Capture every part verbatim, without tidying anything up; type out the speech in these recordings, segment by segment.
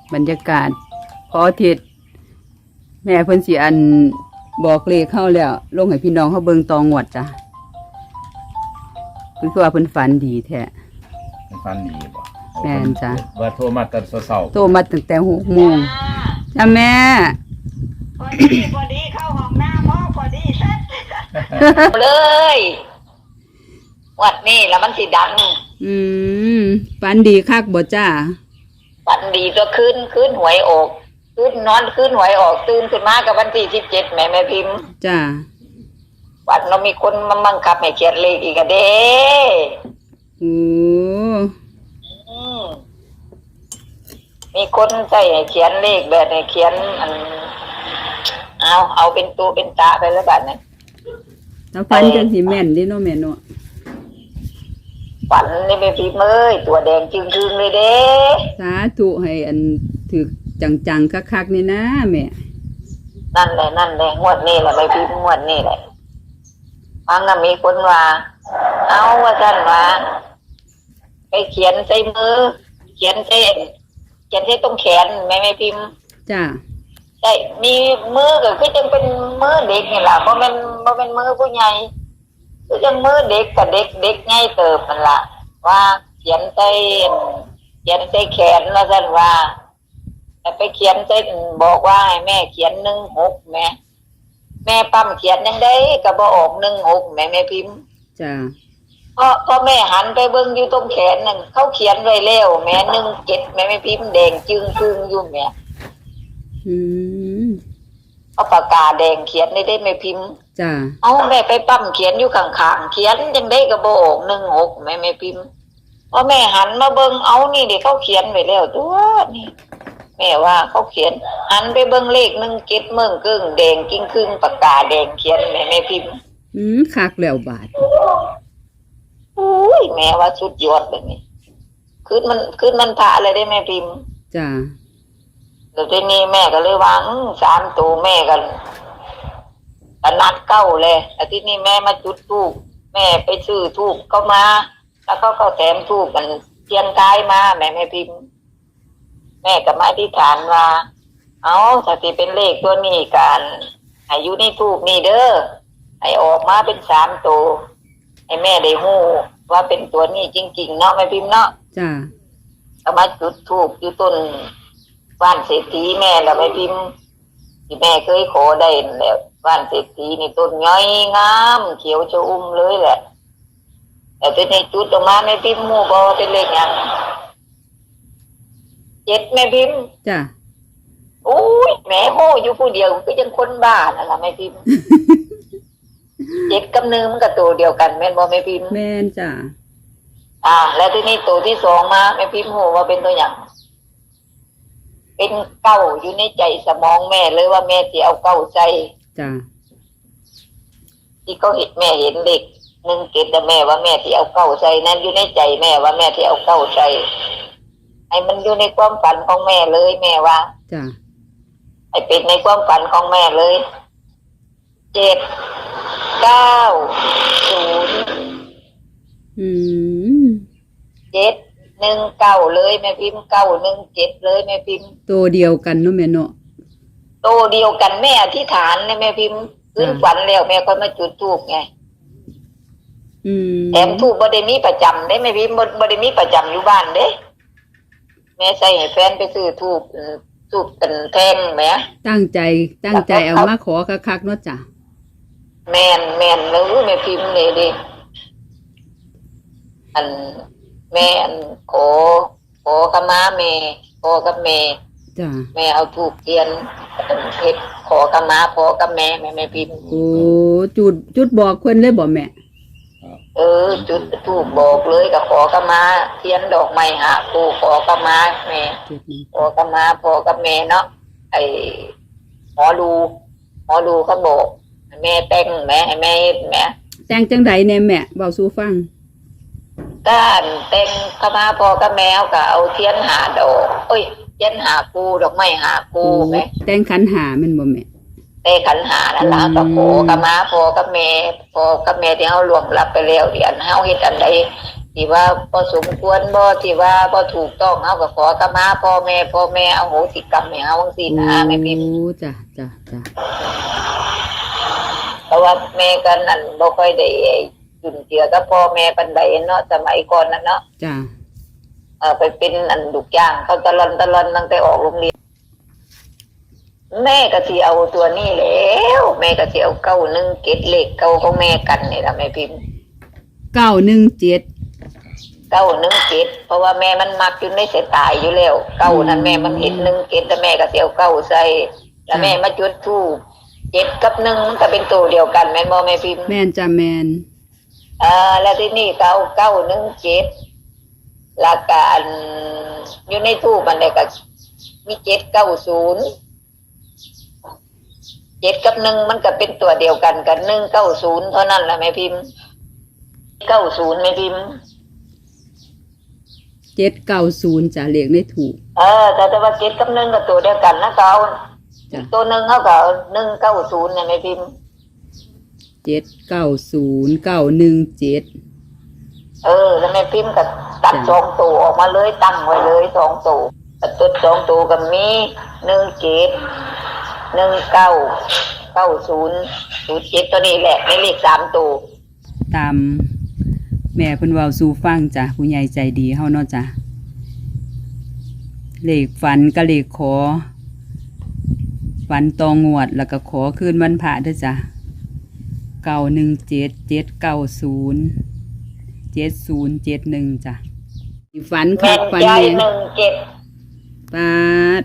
บรรยากาศพออาทิตย์แม่เพิ่นสิอันบอกเลขเข้าแล้วลงให้พี่น้องเขาเบิ่งตองวดจ้ะเพิ่นคือว่าเพิ่นฝันดีแท้มันฟันดีบ่แม่นจ้ะว่าโทรมาแต่เช้าโทรมาตั้งแต่หกโมงจ้ะแม่พอดีพอดีเข้าห้องน้ำพ่อพอดีเสร็จเลยวัดนี้แล้วมันสิดังอืมฝันดีคักบ่จ้าวันดีตัวคืนคืนหวยออกคืนนอนคืนหวยออกตื่นขึ้นมากับวันที่สิบเจ็ดแม่แม่พิมพ์จ้าวันเรามีคนมาบังคับให้เขียนเลขอีกอะเด้โอ้อืมมีคนใส่ให้เขียนเลขแบบให้เขียนอันเอาเอาเป็นตัวเป็นตาไปแล้วบัดนี้ถ้าฝันจังสิแม่นเด้เนาะแม่เนาะฝันนี่แม่พิมพ์เอ้ยตัวแดงจึงๆเลยเด้สาธุให้อันถึกจังๆคักๆนี่นะแม่นั่นแหละนั่นแหละงวดนี้แหละแม่พิมพ์งวดนี้แหละฟังน่ะมีคนว่าเอาว่าท่านว่าไปเขียนใส่มือ เขียนใส่เขียนใส่ตรงแขนแม่แม่พิมพ์จ้าใช่มีมือก็คือจังเป็นมือเด็กนี่แหละเพราะมันเพราะเป็นมือผู้ใหญ่คือจังมือเด็กกับเด็กเด็กง่ายเติบมันละว่าเขียนใส่เขียนใส่แขนว่าท่านว่าแต่ไปเขียนใส่บอกว่าให้แม่เขียนหนึ่งหกแม่แม่ปั๊มเขียนยังได้ก็บ่ออกหนึ่งหกแม่แม่พิมพ์จ้าเพราะพอแม่หันไปเบิ่งอยู่ตรงแขนนั่นเขาเขียนไว้แล้วแม่หนึ่งเจ็ดแม่แม่พิมพ์แดงจึงครึ่งอยู่แม่อืมเอาปากกาแดงเขียนได้ได้แม่พิมพ์จ้าเอาแม่ไปปั๊มเขียนอยู่ข้างๆเขียนยังได้ก็บ่ออกหนึ่งหกแม่แม่พิมพ์พอแม่หันมาเบิ่งเอานี่เดี๋ยวเขาเขียนไว้แล้วตัวนี่แม่ว่าเขาเขียนหันไปเบิ่งเลขหนึ่งเจ็ดเมืองครึ่งแดงจึงครึ่งปากกาแดงเขียนแม่แม่พิมพ์อืมคักแล้วบาดอุ้ยแม่ว่าสุดยอดแบบนี้คืนมันคืนมันพระเลยได้แม่พิมพ์จ้าเดี๋ยวทีนี้แม่ก็เลยว่าอื้อสามตัวแม่กันกนัดเก้าเลยแต่ที่นี่แม่มาจุดทูบแม่ไปซื้อทูบเข้ามา แล้วเขาก็แถมทูบมันเทียนกายมาแม่แม่พิมพ์ แม่ก็มาอธิษฐานว่าเอาถ้าสิเป็นเลขตัวนี้กันให้อยู่ในทูบนี่เด้อให้ออกมาเป็นสามตัวให้แม่ได้ฮู้ว่าเป็นตัวนี้จริงๆเนาะแม่พิมพ์เนาะจ้าเอามาจุดทูบอยู่ต้นบ้านเศรษฐีแม่แล้วแม่พิมพ์ที่แม่เคยขอได้นั่นแหละบ้านเศรษฐีนี่ต้นย้อยงามเขียวชอุ่มเลยแหละแต่ทีนี้จุดออกมาแม่พิมพ์หมู่บ่เป็นเลขหยังเจ็ดแม่พิมพ์จ้าโอ้ยแม่โหอยู่ผู้เดียวก็ยังคนบ้านั่นล่ะแม่พิมพ์ เจ็ดกับหนึ่งมันก็ตัวเดียวกันแม่นบ่แม่พิมพ์แม่นจ้าอ่า แล้วทีนี้ตัวที่สองมาแม่พิมพ์โหว่าเป็นตัวอย่างเป็นเก้าอยู่ในใจสมองแม่เลยว่าแม่สิเอาเก้าใจจ้าที่เขาเห็นแม่เห็นเด็กหนึ่งเกตแต่แม่ว่าแม่ที่เอาเก้าใจนั้นอยู่ในใจแม่ว่าแม่ที่เอาเก้าใจให้มันอยู่ในความฝันของแม่เลยแม่ว่าจ้าให้เป็นในความฝันของแม่เลยเจ็ดเก้าศูนย์อืมเจ็ดหนึ่งเก้าเลยแม่พิมพ์เก้าหนึ่งเจ็ดเลยแม่พิมพ์ตัวเดียวกันเนาะแม่เนาะโตเดียวกันแม่อธิษฐานเนี่ยแม่พิมพ์ขึ้นฝันแล้วแม่ก็มาจุดธูปไงอืมแถมธูปบ่ได้มีประจำได้แม่พิมพ์บ่บ่ได้มีประจำอยู่บ้านเด้แม่ใส่ให้แฟนไปซื้อธูปธูปเป็นแท่งแหมตั้งใจตั้งใจเอามาขอคักๆเนาะจ้าแม่นแม่นแล้วแม่พิมพ์นี่ดิอันแม่อันขอขอขมาแม่ขอกับแม่จ้าแม่เอาธูปเทียนเฮ็ดขอขมาขอกับแม่แม่แม่พิมพ์โอ้จุดจุดบอกเพิ่นเลยบ่แม่เออจุดถูกบอกเลยกับขอกมาเทียนดอกไม้หาปูขอกมาแม่จุดนี้ขอกมาพอกับแม่เนาะไอหมอดูหมอดูเขาบอกให้แม่แต่งแม่ให้แม่เฮ็ดแม่แต่งจังไดแน่แม่เว้าสู่ฟังก้านแต่งเข้ามาพอกับแมวก็เอาเทียนหาดอกเอ้ยเทียนหาปูดอกไม้หาปูโอ้แม่แต่งขันหาแม่นบ่แม่แต่ขันหานั่นล่ะอืมก็ขอกับมาพอกับแม่พอกับแม่ที่เฮาล่วงลับไปแล้วเดี๋ยวเฮาเฮ็ดอันใดที่ว่าบ่สมควรบ่ที่ว่าบ่ถูกต้องเฮาก็ขอขมาพ่อแม่พ่อแม่อโหสิกรรมให้เฮาจังซี่นะแม่พิมพ์โอ้จ้ะจ้ะจ้ะเพราะว่าแม่กันนั่นบ่ค่อยได้จุนเจือกับพ่อแม่ปานใดเนาะสมัยก่อนนั่นเนาะจ้ะเออไปเป็นอันลูกจ้างเขาตะลอนตะลอนตั้งแต่ออกโรงเรียนแม่ก็สิเอาตัวนี้แล้วแม่ก็สิเอาเก้าหนึ่งเกตเลขเก้าของแม่กันนี่ล่ะแม่พิมพ์เก้าหนึ่งเจ็ดเก้าหนึ่งเกตเพราะว่าแม่มันมักอยู่ในสายตายอยู่แล้วเก้านั้นแม่มันเห็นหนึ่งเกตแต่แม่ก็สิเอาเก้าใส่แล้วแม่มาจุดธูปเจ็ดกับหนึ่งมันก็เป็นตัวเดียวกันแม่นบ่แม่พิมพ์แม่นจ้ะแม่นเอ่าแล้วที่นี่เก้าเก้าหนึ่งเจ็ดหลักการอยู่ในทูปมันเลยก็มีเจ็ดเก้าศูนย์เจ็ดกับหนึ่งมันก็เป็นตัวเดียวกันกันหนึ่งเก้าศูนย์เท่านั้นแหละแม่พิมพ์เก้าศูนย์แม่พิมพ์เจ็ดเก้าศูนย์จ้ะเลขได้ถูกเออแต่แต่ว่าเจ็ดกับหนึ่งก็ตัวเดียวกันนะเขาจ้ะตัวหนึ่งเขาก็หนึ่งเก้าศูนย์เนี่ยแม่พิมพ์เจ็ดเก้าศูนย์เก้าหนึ่งเจ็ดเออแล้วแม่พิมพ์ก็ตัดจ้ะสองตัวออกมาเลยตั้งไว้เลยสองตัวตัดตัวสองตัวก็มีหนึ่งเจ็ดหนึ่งเก้าเก้าศูนย์ศูนย์เจ็ดตัวนี้แหละในเลขสามตัวตามแม่เพิ่นเว้าสู่ฟังจ้ะผู้ใหญ่ใจดีเฮาเนาะจ้ะเลขฝันกับเลขขอฝันตองงวดแล้วก็ขอคืนวันพระเด้อจ้ะเก้าหนึ่งเจ็ดเจ็ดเก้าศูนย์เจ็ดศูนย์เจ็ดหนึ่งจ้ะฝันคัแม่กนฝันใจแน่หนึ่งเจ็ดปาด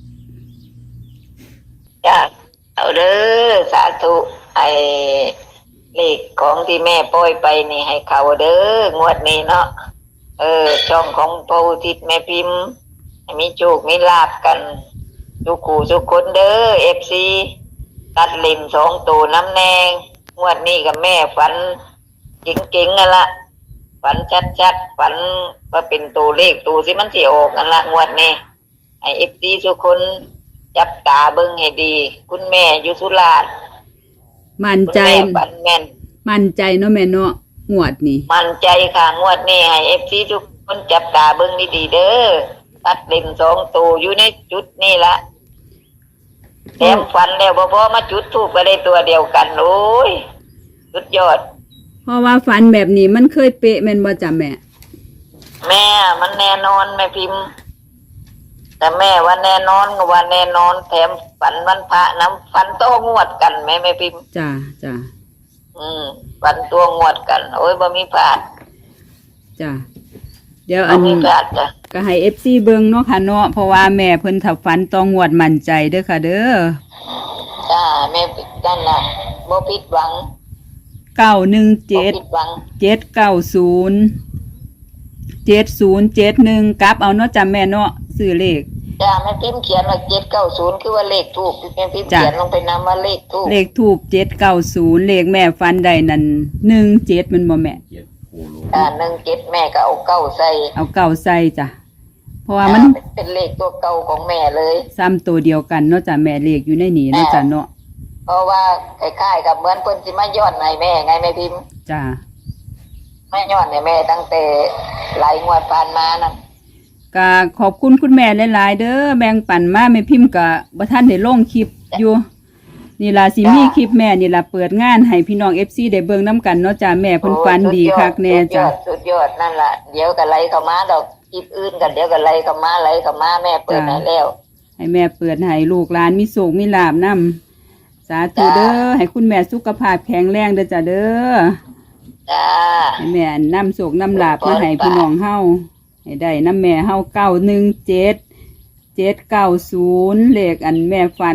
จ้ะเอาเด้อสาธุไอ้เลขของที่แม่ปล่อยไปนี่ให้เขาเด้องวดนี้เนาะเออช่องของพระอุทิศแม่พิมพ์ให้มีโชคมีลาบกันทุกคู่ทุกคนเด้อเอฟซีตัดเล่นสองตัวน้ำแนงงวดนี้กับแม่ฝันเก่งๆนั่นละฝันชัดๆฝันว่าเป็นตัวเลขตัวที่มันสิออกนั่นละงวดนี้ให้เอฟซีทุกคนจับตาเบิ่งให้ดี คุณแม่อยู่สุราษฎร์มั่นคุณใจแม่ฝันแม่นมั่นใจเนาะแม่เนาะงวดนี่มั่นใจค่ะงวดนี้ให้เอฟซีทุกคนจับตาเบิ่งดีๆเด้อตัดเล่นสองตัวอยู่ในจุดนี่ละแถมฝันแล้วบ่พอมาจุดทูปก็ได้ตัวเดียวกันโอ้ยสุดยอดเพราะว่าฝันแบบนี้มันเคยเป๊ะแม่นบ่จ้ะแม่แม่มันแน่นอนแม่พิมพ์ แต่แม่ว่าแน่นอนก็ว่าแน่นอนแถมฝันวันพระน้ำฝันโตงวดกันแม่แม่พิมพ์จ้ะจ้ะอืมฝันตัวงวดกัน โอ้ยบ่มีพลาดจ้ะเดี๋ยวบ่อันมีพลาดจ้ะก็ให้ เอฟ ซี เบิ่งเนาะค่ะเนาะเพราะว่าแม่เพิ่นถ้าฝันต้องงวดมั่นใจเด้อค่ะ เด้อจ้าแม่นั่นน่ะบ่ผิดหวังเก้าหนึ่งบ่เจ็ดผิดหวังเจ็ดเก้าศูนย์เจ็ดศูนย์เจ็ดหนึ่งกลับเอาเนาะจ้ะแม่เนาะซื้อเลขจ้าแม่พิมพ์เขียนว่าเจ็ดเก้าศูนย์คือว่าเลขทูปแม่พิมพ์จ้ะเขียนลงไปนำว่าเลขทูปเลขทูบเจ็ดเก้าศูนย์เลขแม่ฟันได้นั่นหนึ่งเจ็ดมันบ่แม่เกียรติโคโลอ่าหนึ่งเจ็ดแม่ก็เอาเก้าใส่เอาเก้าใส่จ้ะเพราะว่ามันอ่เป็นเลขตัวเก่าของแม่เลยซ้ำตัวเดียวกันเนาะจ้ะแม่เลขอยู่ในนี้เนาะจ้ะเนาะเพราะว่าคล้ายๆกับเหมือนเพิ่นสิมาย้อนให้แม่ไงแม่พิมพ์จ้ะมาย้อนให้แม่ตั้งแต่หลายงวดผ่านมานั่นก็ขอบคุณคุณแม่หลายๆเด้อแบ่งปันมาแม่พิมพ์ก็บ่ทันได้ลงคลิปอยู่นี่ล่ะสิมีคลิปแม่นี่ล่ะเปิดงานให้พี่น้อง เอฟ ซี ได้เบิ่งนํกันเนาะจ้ะแม่เพิ่นฝันดีคักแน่จ้ะสุดยอดสุดยอดนั่นล่ะเดี๋ยวก็ไล่เข้ามาดอกคลิปอื่นกันเดี๋ยวก็ไล่เข้ามาไล่เข้ามาแม่เปิดให้แล้วให้แม่เปิดให้ลูกหลานมีโชคมีลาภนํสาธุเด้อให้คุณแม่สุขภาพแข็งแรงเด้อจ้ะเด้อจ้าให้แม่นำโชคนำลาภมาให้พี่น้องเฮาให้ได้นำแม่เฮาเก้าหนึ่งเจ็ด เจ็ดเก้าศูนย์เลขอันแม่ฝัน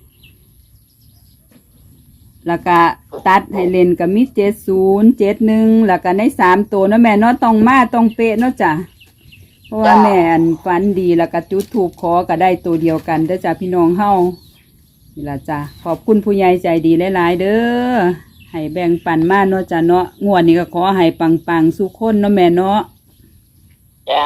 แล้วก็ตัดให้เล่นก็มีเจ็ดศูนย์เจ็ดหนึ่งแล้วก็ในสามตัวเนาะแม่เนาะต้องมาต้องเป๊ะเนาะจ้ะเพราะว่าแม่อันฝันดีแล้วก็จุดถูกขอก็ได้ตัวเดียวกันเด้อจ้ะพี่น้องเฮานี่ล่ะจ้ะขอบคุณผู้ใหญ่ใจดีหลายๆเด้อให้แบ่งปันมาเนาะจ้ะเนาะงวดนี้ก็ขอให้ปังๆสุขคนเนาะแม่เนาะจ้า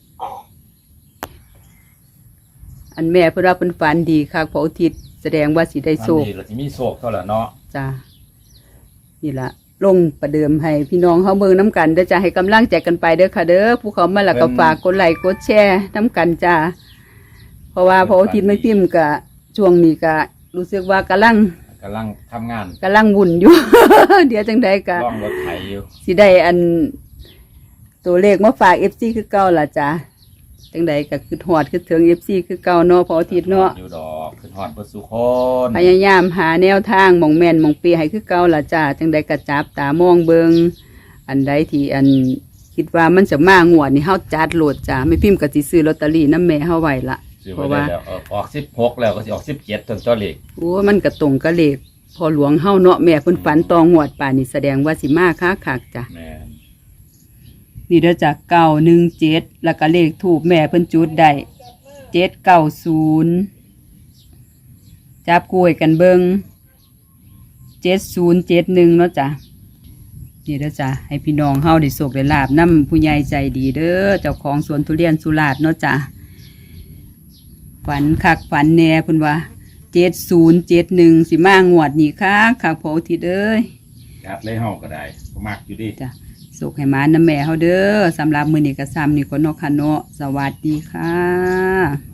อันแม่เพิ่นว่าเพิ่นฝันดีคักพระอุทิศแสดงว่าสิได้ฟันโชคดีเราจะมีโศกเท่าไหร่เนาะจ้ะนี่ล่ะลงประเดิมให้พี่น้องเขาเบิ่งน้ำกันเด้อจ้าให้กำลังใจกันไปเด้อค่ะเด้อผู้เขามาแล้วก็ฝากกดไลค์กดแชร์น้ำกันจ้าเพราะว่าพออาทิตย์ไม่พิมพ์กะช่วงนี้กะรู้สึกว่ากำลังกำลังทำงานกำลังวุ่นอยู่ เดี๋ยวจังใดกะล่องรถไถอยู่สิได้อันตัวเลขมาฝากเอฟซีคือเก่าล่ะจ้าจังใดก็คือหอดคือถึงเอฟซีคือเก่าเนาะพออาทิตย์เนาะอยู่ดอกขึ้นฮอดเบ่สุคนพยายามหาแนวทางหมองแม่นหมองเปียให้คือเก่าล่ะจ้าจังใดก็จับตามองเบิงอันใดที่อันคิดว่ามันจะมางวดนี่เฮาจัดโหลดจ้าไม่พิมพ์ก็สิซื้อลอตเตอรี่นำแม่เฮาไว้ละซื้อเพไว้ราะได้ว่าแล้วเออออกสิบหกแล้วก็สิออกสิบเจ็ดจนตัวเลขโอ้มันก็ตรงกับเลขพอหลวงเฮาเนาะแม่เพิ่นฝันตองวดป่านนี่แสดงว่าสิมาค้าคักจ้ะแม่นนี่เด้อจ้ะเก้าหนึ่งเจ็ดแล้วก็เลขถูกแม่เพิ่นจุดได้เจ็ดเก้าศูนย์จับกล้วยกันเบิงเจ็ดศูนย์เจ็ดหนึ่งเนาะจ้ะนี่เด้อจ้ะให้พี่น้องเฮาได้โศกได้ลาบนำผู้ใหญ่ใจดีเด้อเจ้าของสวนทุเรียนสุราษฎร์เนาะจ้ะฝันคักฝันแน่เพิ่นว่าเจ็ดศูนย์เจ็ดหนึ่งสิมางวดนี่คักคักพออาทิตย์เอ้ยจัดเลยเฮาก็ได้ก็มักอยู่ดิจ้ะสุขให้หมาน้ำแม่เฮาเด้อสำหรับมื้อนี้ก็ซ้ำนี่ก็เนาะค่ะเนาะสวัสดีค่ะ